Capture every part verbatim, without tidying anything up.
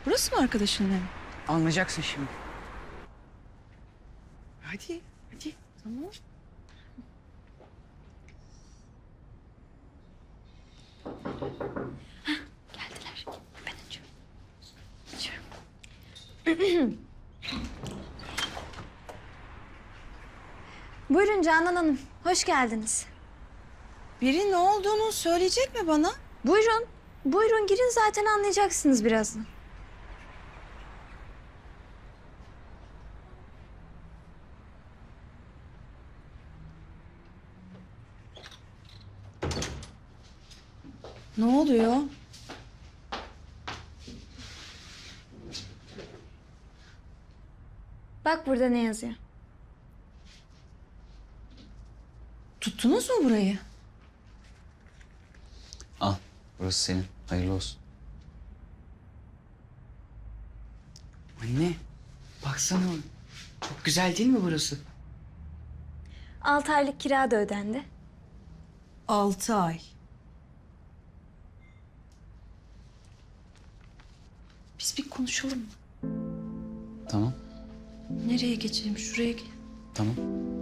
Burası mı arkadaşının evi? Anlayacaksın şimdi. Hadi, hadi. Tamam. Heh, geldiler. Ben açıyorum. Açıyorum. Buyurun Canan Hanım, hoş geldiniz. Biri ne olduğunu söyleyecek mi bana? Buyurun, buyurun girin zaten anlayacaksınız birazdan. Ne oluyor? Bak burada ne yazıyor. Tuttunuz mu burayı? Al, burası senin. Hayırlı olsun. Anne, baksana. Çok güzel değil mi burası? Altı aylık kira da ödendi. Altı ay. Biz bir konuşalım mı? Tamam, Nereye geçelim? Şuraya gel. tamam.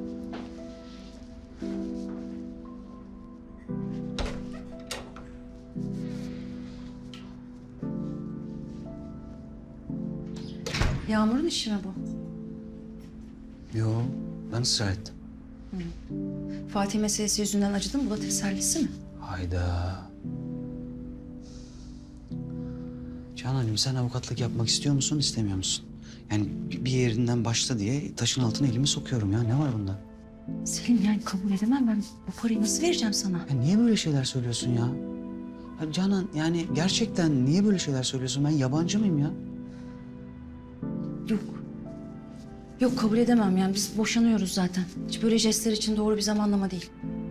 Yağmur'un işi mi bu? Yo, ben ısrar ettim. Fatih meselesi yüzünden acıdın. Bu da tesellisi mi? Hayda. Canancığım sen avukatlık yapmak istiyor musun, istemiyor musun? Yani bir bir yerinden başla diye taşın altına elimi sokuyorum ya. Ne var bunda? Selim yani kabul edemem ben. Bu parayı nasıl vereceğim sana? Ya niye böyle şeyler söylüyorsun ya? Ya Canan yani gerçekten niye böyle şeyler söylüyorsun? Ben yabancı mıyım ya? Yok. Yok kabul edemem yani biz boşanıyoruz zaten. Hiç böyle jestler için doğru bir zamanlama değil.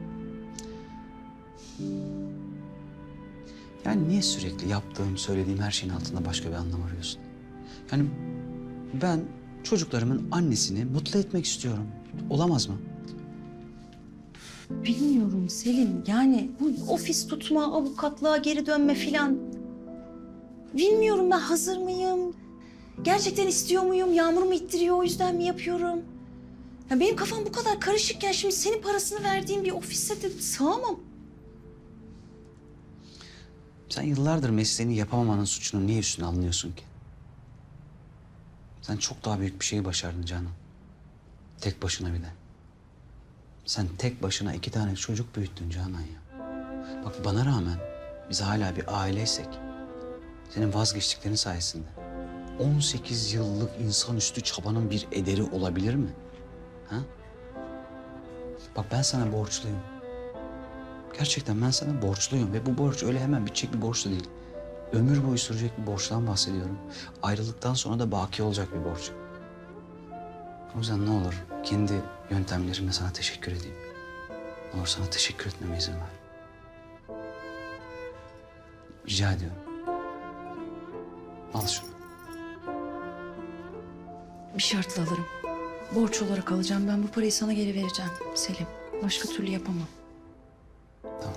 Yani niye sürekli yaptığım, söylediğim her şeyin altında başka bir anlam arıyorsun? Yani ben çocuklarımın annesini mutlu etmek istiyorum. Olamaz mı? Bilmiyorum Selim yani bu ofis tutma, avukatlığa geri dönme filan. Bilmiyorum ben hazır mıyım? Gerçekten istiyor muyum? Yağmur mu ittiriyor o yüzden mi yapıyorum? Ya benim kafam bu kadar karışıkken şimdi senin parasını verdiğin bir ofise de sığamam. Sen yıllardır mesleğini yapamamanın suçunu niye üstüne alınıyorsun ki? Sen çok daha büyük bir şeyi başardın Canan. Tek başına bir de. Sen tek başına iki tane çocuk büyüttün Canan ya. Bak bana rağmen biz hala bir aileysek senin vazgeçtiklerin sayesinde on sekiz yıllık insanüstü çabanın bir ederi olabilir mi? Ha? Bak ben sana borçluyum. Gerçekten ben sana borçluyum ve bu borç öyle hemen bitecek bir borç da değil. Ömür boyu sürecek bir borçtan bahsediyorum. Ayrılıktan sonra da baki olacak bir borç. O yüzden ne olur kendi yöntemlerimle sana teşekkür edeyim. Ne olur sana teşekkür etmeme izin ver. Rica ediyorum. Al şunu. Bir şartla alırım. Borç olarak alacağım. Ben bu parayı sana geri vereceğim Selim. Başka türlü yapamam. Tamam.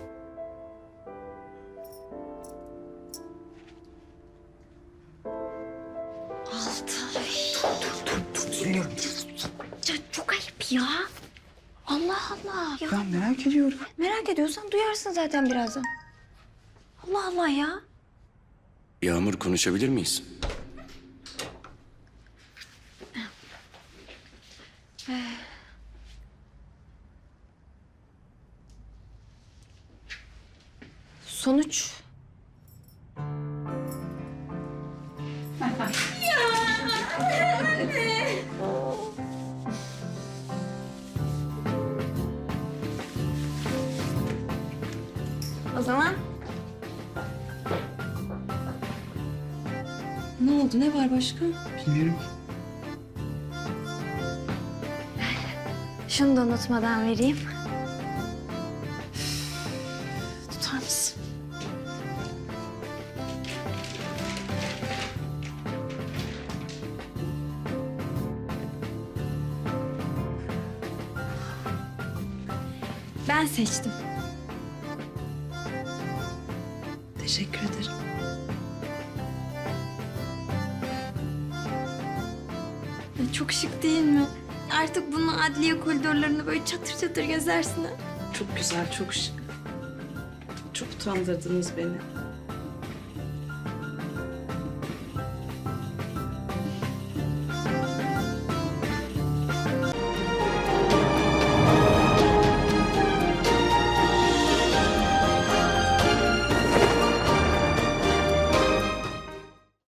Altı ay. Dur, dur, dur, dur. Dinliyorum. Ya çok ayıp ya. Allah Allah. Ya, Ben merak ediyorum. merak ediyorsan duyarsın zaten birazdan. Allah Allah ya. Yağmur konuşabilir miyiz? Sonuç. O zaman Ne oldu? Ne var başka? Bilmiyorum. şunu da unutmadan vereyim. Tutar mısın? Ben seçtim. Teşekkür ederim. Ya çok şık değil mi? Artık bununla adliye koridorlarında böyle çatır çatır gezersin ha. Çok güzel, çok şık. Çok utandırdınız beni.